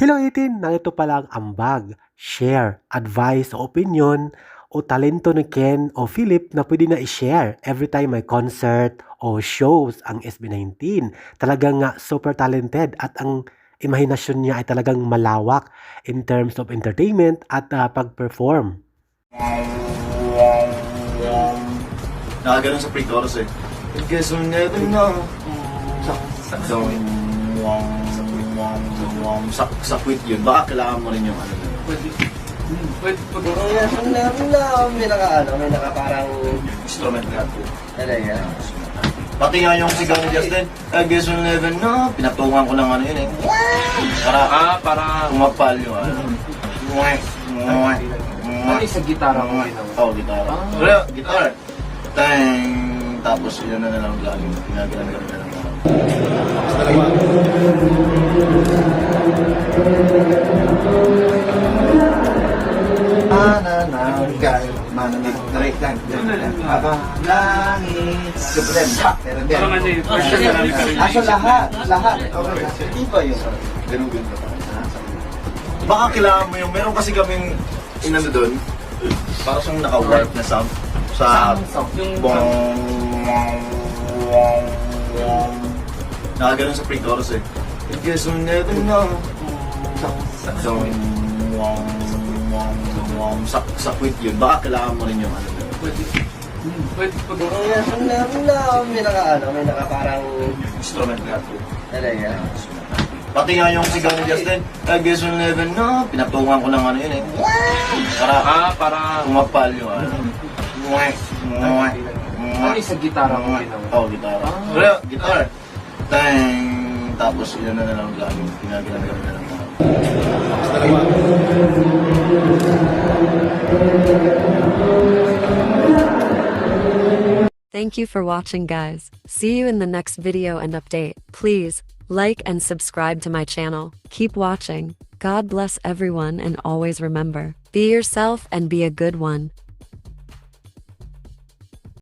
Hello 18! Narito pala ang ambag, share, advice o opinion o talento ni Ken o Philip na pwede na i-share every time may concert o shows ang SB19. Talagang nga super talented at ang imahinasyon niya ay talagang malawak in terms of entertainment at pag-perform. Nakaganon sa pre-chorus eh. I guess we'll never know. Sakwit yun. Baka kailangan mo rin yung ano yun. Pwede. May naka parang Instrument na po. talaga. Pati nga yung sigaw ni Justin, I guess we'll never know. Pinatungan ko ng ano yun eh. Para umapal yung ano. Ano sa gitara mo Oo, gitara. Pero, gitara. Tang. Tapos yun na lang lagi. Ginagalan na lang. Tapos dalawa. Manananggal. Manananggal. Habang langit. Sublem. Pero din. Lahat. Okay. Di ba yun? Ganun. Baka kailangan mo yung, meron kasi kaming inano doon, para siyang naka-warp na sound sa bong nakaganon sa pre-chorus eh. I guess we'll never know. Sakwit yun. Baka kailangan mo rin yung ano yun. Pwede. May naka parang Instrument na po. talaga. Pati nga yung sigaw ni Justin, I guess we'll never know. Pinatungan ko ng ano yun eh. Para umapal yung ano. Ano sa gitara mo Oo, gitara. Pero, gitara. Tang. Tapos yun na lang lagi. Ginagalan na lang. Tapos dalawa. Thank you for watching, guys. See you in the next video and update. Please like and subscribe to my channel. Keep watching. God bless everyone, and always remember, be yourself and be a good one.